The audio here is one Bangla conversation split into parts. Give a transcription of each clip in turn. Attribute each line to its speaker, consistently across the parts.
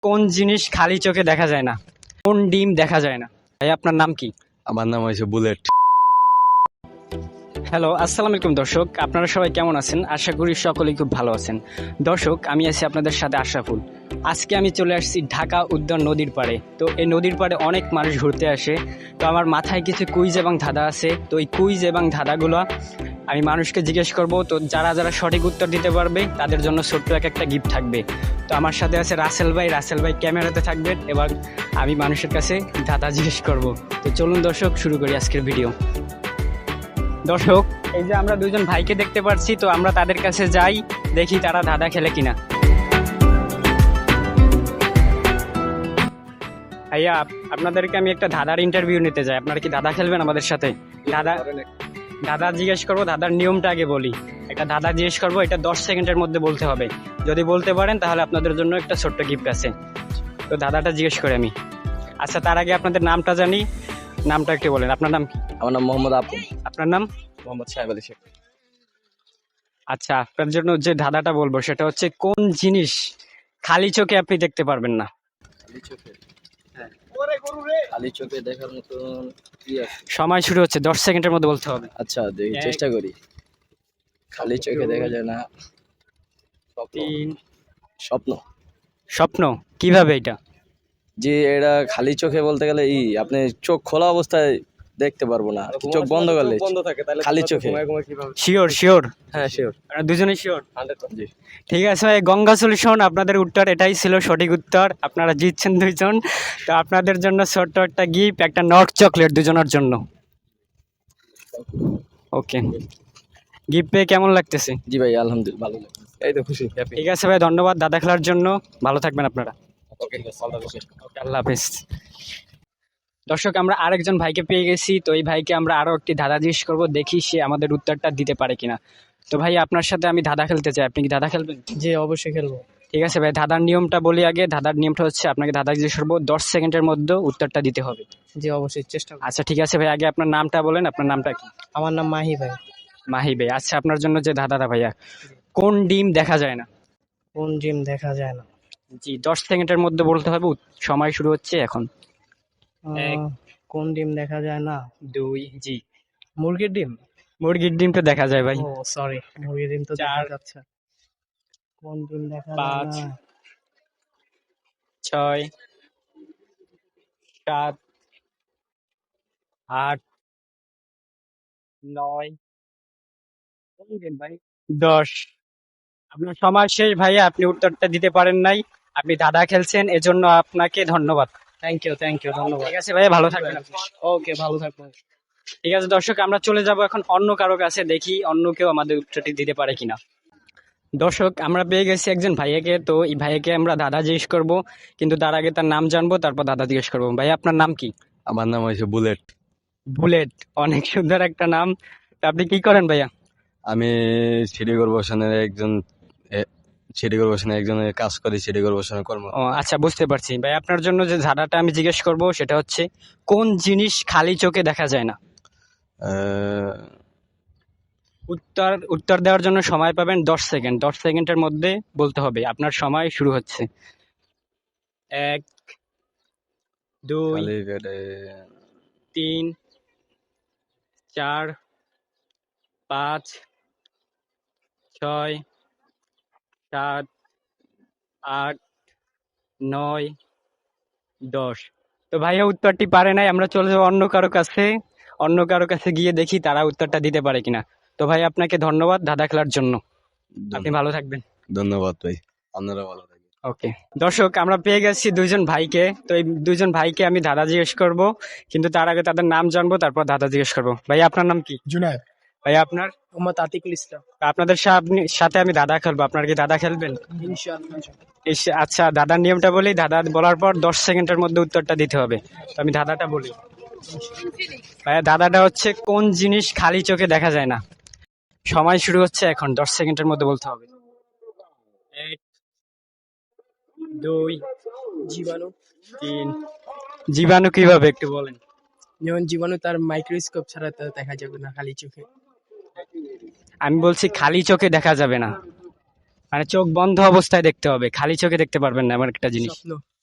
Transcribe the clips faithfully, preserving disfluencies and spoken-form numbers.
Speaker 1: কোন জিনিস খালি চোখে দেখা যায় না? কোন ডিম দেখা যায় না? ভাই আপনার নাম কি?
Speaker 2: আমার নাম হয়েছে বুলেট।
Speaker 1: হ্যালো, আসসালামু আলাইকুম দর্শক, আপনারা সবাই কেমন আছেন? আশা করি সকলেই খুব ভালো আছেন। দর্শক, আমি আছি আপনাদের সাথে আশরাফুল। আজকে আমি চলে আসছি ঢাকা উদ্যান নদীর পাড়ে। তো এই নদীর পাড়ে অনেক মানুষ ঘুরতে আসে। তো আমার মাথায় কিছু কুইজ এবং ধাঁধা আছে। তো এই কুইজ এবং ধাঁধাগুলো আমি মানুষকে জিজ্ঞেস করব। তো যারা যারা সঠিক উত্তর দিতে পারবে তাদের জন্য ছোট্ট এক একটা গিফট থাকবে। তো আমার সাথে আছে রাসেল ভাই। রাসেল ভাই ক্যামেরাতে থাকবেন এবং আমি মানুষের কাছে ধাঁধা জিজ্ঞেস করব। তো চলুন দর্শক, শুরু করি আজকের ভিডিও। দর্শক, এই যে আমরা দুজন ভাইকে দেখতে পাচ্ছি, তো আমরা তাদের কাছে যাই, দেখি তারা ধাঁধা খেলে কিনা। ভাইয়া, আপনাদেরকে আমি একটা ধাঁধার ইন্টারভিউ নিতে চাই। আপনারা কি ধাঁধা খেলবেন আমাদের সাথে? ধাঁধা ধাঁধা জিজ্ঞেস করবো। ধাঁধার নিয়মটা আগে বলি। একটা ধাঁধা জিজ্ঞেস করবো, এটা দশ সেকেন্ডের মধ্যে বলতে হবে। যদি বলতে পারেন তাহলে আপনাদের জন্য একটা ছোট্ট গিফট আছে। তো ধাঁধাটা জিজ্ঞেস করি আমি। আচ্ছা, তার আগে আপনাদের নামটা জানি। নামটা একটু বলেন, আপনার নাম কি?
Speaker 2: আমার নাম মোহাম্মদ আপু।
Speaker 1: আপনার নাম?
Speaker 2: মোহাম্মদ সাহেব আলী শেখ।
Speaker 1: আচ্ছা, আপনার জন্য যে ধাঁধাটা বলবো সেটা হচ্ছে, কোন জিনিস খালি চোখে আপনি দেখতে পারবেন না?
Speaker 2: খালি চোখে খালি চোখে দেখার মতন কি আছে?
Speaker 1: সময় শুরু হচ্ছে, দশ সেকেন্ডের মধ্যে বলতে হবে।
Speaker 2: আচ্ছা, দেখি,
Speaker 1: এক,
Speaker 2: চেষ্টা করি। খালি চোখে দেখা যায় না। স্বপ্ন।
Speaker 1: তিন।
Speaker 2: স্বপ্ন।
Speaker 1: স্বপ্ন? কিভাবে এটা?
Speaker 2: জি, এটা খালি চোখে বলতে গেলে ই আপনি চোখ খোলা অবস্থায় দেখতে পারবো না, চোখ বন্ধ করলে খালি চোখে।
Speaker 1: শিওর? শিওর?
Speaker 2: হ্যাঁ, শিওর।
Speaker 1: দুজনেই শিওর?
Speaker 2: জি।
Speaker 1: ঠিক আছে ভাই, গঙ্গা সলিউশন আপনাদের উত্তর এটাই ছিল সঠিক উত্তর। আপনারা জিতছেন দুইজন। তো আপনাদের জন্য ছোট্ট একটা গিফট, একটা নট চকলেট দুজনের জন্য। ওকে, গিফট পেয়ে কেমন লাগতেছে?
Speaker 2: জি ভাই, আলহামদুলিল্লাহ ভালো লাগছে। এই তো খুশি, হ্যাপি।
Speaker 1: ঠিক আছে ভাই, ধন্যবাদ দাদা খেলার জন্য। ভালো থাকবেন আপনারা।
Speaker 2: ওকে,
Speaker 1: আল্লাহ হাফেজ। দর্শক, আমরা আরেকজন ভাইকে পেয়ে গেছি। তো এই ভাইকে আমরা আরো একটি ধাঁধা জিজ্ঞেস করবো, দেখি সে আমাদের উত্তরটা দিতে পারে কিনা। তো ভাই, আপনার সাথে আমি ধাঁধা খেলতে চাই, আপনি কি ধাঁধা খেলবেন?
Speaker 3: জি, অবশ্যই খেলবো।
Speaker 1: ঠিক আছে ভাই, ধাঁধার নিয়মটা বলি আগে। ধাঁধার নিয়মটা হচ্ছে, আপনাকে ধাঁধা জিজ্ঞেস করবো, দশ সেকেন্ডের মধ্যে উত্তরটা দিতে হবে।
Speaker 3: জি, অবশ্যই চেষ্টা করবো।
Speaker 1: আচ্ছা ঠিক আছে ভাই, আগে আপনার নামটা বলেন। আপনার নামটা কি?
Speaker 3: আমার নাম মাহি ভাই।
Speaker 1: মাহি ভাই। আচ্ছা, আপনার জন্য যে ধাঁধাটা ভাইয়া, কোন ডিম দেখা যায় না?
Speaker 3: কোন জিম দেখা যায় না?
Speaker 1: জি, দশ সেকেন্ডের মধ্যে বলতে হবে। উত- সময় শুরু হচ্ছে এখন। এক।
Speaker 3: আহ, কোন ডিম দেখা যায় না?
Speaker 1: দুই। জি,
Speaker 3: মুরগির ডিম।
Speaker 1: মুরগির ডিমটা দেখা যায় ভাই।
Speaker 3: ও সরি, মুরগির ডিম তো দেখা
Speaker 1: চার।
Speaker 3: যাচ্ছে। কোন ডিম দেখা যায়
Speaker 1: পাঁচ।
Speaker 3: না?
Speaker 1: ছয়। সাত। আট। নয়। ভাই, দশ। আপনার সময় শেষ ভাইয়া, আপনি উত্তরটা দিতে পারেন নাই। আপনি ধাঁধা খেলছেন, এজন্য আপনাকে ধন্যবাদ।
Speaker 3: থ্যাংক ইউ, থ্যাংক ইউ, ধন্যবাদ।
Speaker 1: ঠিক আছে ভাইয়া, ভালো থাকবেন আপনি।
Speaker 3: ওকে, ভালো থাকবেন।
Speaker 1: ঠিক আছে দর্শক, আমরা চলে যাব এখন অন্য কারো কাছে, দেখি অন্য কেউ আমাদের উত্তরটি দিতে পারে কিনা। দর্শক, আমরা পেয়ে গেছি একজন ভাইয়াকে। তো এই ভাইয়াকে আমরা দাদা জিজ্ঞেস করব, কিন্তু তার আগে তার নাম জানবো, তারপর দাদা জিজ্ঞেস করবো। ভাই, আপনার নাম কি?
Speaker 2: আমার নাম হয়েছে বুলেট।
Speaker 1: বুলেট? অনেক সুন্দর একটা নাম। তা আপনি কি করেন ভাইয়া?
Speaker 2: আমি সিটি কর্পোরেশনের একজন এ- সিটি কর্পোরেশনের একজনের কাজ করি, সিটি কর্পোরেশনের কর্ম।
Speaker 1: ও আচ্ছা, বুঝতে পারছি ভাই। আপনার জন্য যে ধাঁধাটা আমি জিজ্ঞেস করব সেটা হচ্ছে, কোন জিনিস খালি চোখে দেখা যায় না?
Speaker 2: আহ,
Speaker 1: উত্তর উত্তর দেওয়ার জন্য সময় পাবেন দশ সেকেন্ড। দশ সেকেন্ডের মধ্যে বলতে হবে। আপনার সময় শুরু হচ্ছে। এক। দুই।
Speaker 2: খালি পেটে
Speaker 1: তিন। চার। পাঁচ। ছয়। সাত। আট। নয়। দশ। তো ভাইয়া উত্তরটি পারে নাই। আমরা চলে যাবো অন্য কারো কাছে। অন্য কারো কাছে গিয়ে দেখি তারা উত্তরটা দিতে পারে কিনা। তো ভাই, আপনাকে ধন্যবাদ ধাঁধা খেলার জন্য। আপনি ভালো থাকবেন।
Speaker 2: ধন্যবাদ ভাই, আপনারা ভালো থাকবেন।
Speaker 1: ওকে। দর্শক, আমরা পেয়ে গেছি দুইজন ভাইকে। তো এই দুইজন ভাইকে আমি দাদা জিজ্ঞেস করব, কিন্তু তার আগে তাদের নাম জানবো, তারপর দাদা জিজ্ঞেস করবো। ভাই, আপনার নাম কি?
Speaker 3: জুনায়েদ।
Speaker 1: ভাই, আপনার?
Speaker 3: মোহাম্মদ আতিকুল ইসলাম।
Speaker 1: আপনাদের সা- সাথে আমি দাদা খেলবো। আপনার কি দাদা খেলবেন?
Speaker 3: ইনশাআল্লাহ।
Speaker 1: ইস- আচ্ছা, দাদার নিয়মটা বলি। দাদা বলার পর দশ সেকেন্ডের মধ্যে উত্তরটা দিতে হবে। তো আমি দাদাটা বলি। ভাইয়া, দাদাটা হচ্ছে, কোন জিনিস খালি চোখে দেখা যায় না? সময় শুরু হচ্ছে এখন, দশ সেকেন্ডের মধ্যে বলতে হবে। এক। দুই।
Speaker 3: জীবাণু।
Speaker 1: তিন। জীবাণু কিভাবে একটু বলেন?
Speaker 3: যেমন জীবাণু তার মাইক্রোস্কোপ ছাড়া তো দেখা যাবে না খালি চোখে।
Speaker 1: আমি বলছি খালি চোখে দেখা যাবে না, মানে চোখ বন্ধ অবস্থায় দেখতে হবে, খালি চোখে দেখতে পারবেন না এমন একটা জিনিস।
Speaker 3: স্বপ্ন।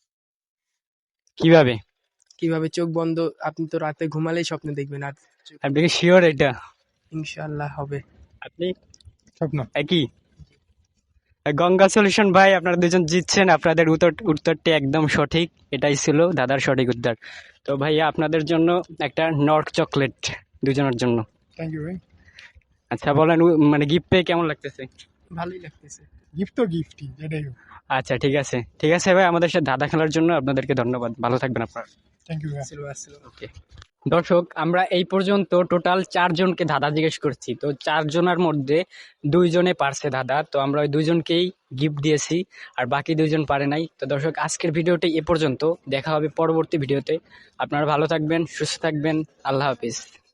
Speaker 1: কিভাবে?
Speaker 3: কিভাবে চোখ বন্ধ, আপনি তো রাতে ঘুমালেই স্বপ্ন দেখবেন, আর চোখ-
Speaker 1: আপনি কি শিওর এটা?
Speaker 3: ইনশাআল্লাহ হবে।
Speaker 1: আপনি
Speaker 4: স্বপ্ন।
Speaker 1: একই? গঙ্গা সলিউশন ভাই, আপনারা দুজন জিতছেন, আপনাদের উত্তর উত্তরটি একদম সঠিক, এটাই ছিল দাদার সঠিক উত্তর। তো ভাইয়া আপনাদের জন্য একটা নর্থ চকলেট দুজনের জন্য।
Speaker 4: থ্যাংক ইউ ভাই।
Speaker 1: আচ্ছা বলেন, উ- মানে গিফট পেয়ে কেমন লাগতেছে?
Speaker 3: ভালোই লাগতেছে।
Speaker 4: গিফট তো গিফটই, যেটাই হোক।
Speaker 1: আচ্ছা ঠিক আছে, ঠিক আছে ভাই, আমাদের সাথে দাদা খেলার জন্য আপনাদেরকে ধন্যবাদ, ভালো থাকবেন আপনারা।
Speaker 4: থ্যাংক ইউ ভাই।
Speaker 3: আসসালামু আসসালাম।
Speaker 1: ওকে দর্শক, আমরা এই পর্যন্ত টোটাল চারজনকে ধাঁধা জিজ্ঞেস করছি, তো চারজনের মধ্যে দুইজনে পারছে ধাঁধা, তো আমরা ওই দুইজনকেই গিফট দিয়েছি, আর বাকি দুইজন পারে নাই। তো দর্শক, আজকের ভিডিওটি এ পর্যন্ত, দেখা হবে পরবর্তী ভিডিওতে। আপনারা ভালো থাকবেন, সুস্থ থাকবেন, আল্লাহ হাফিজ।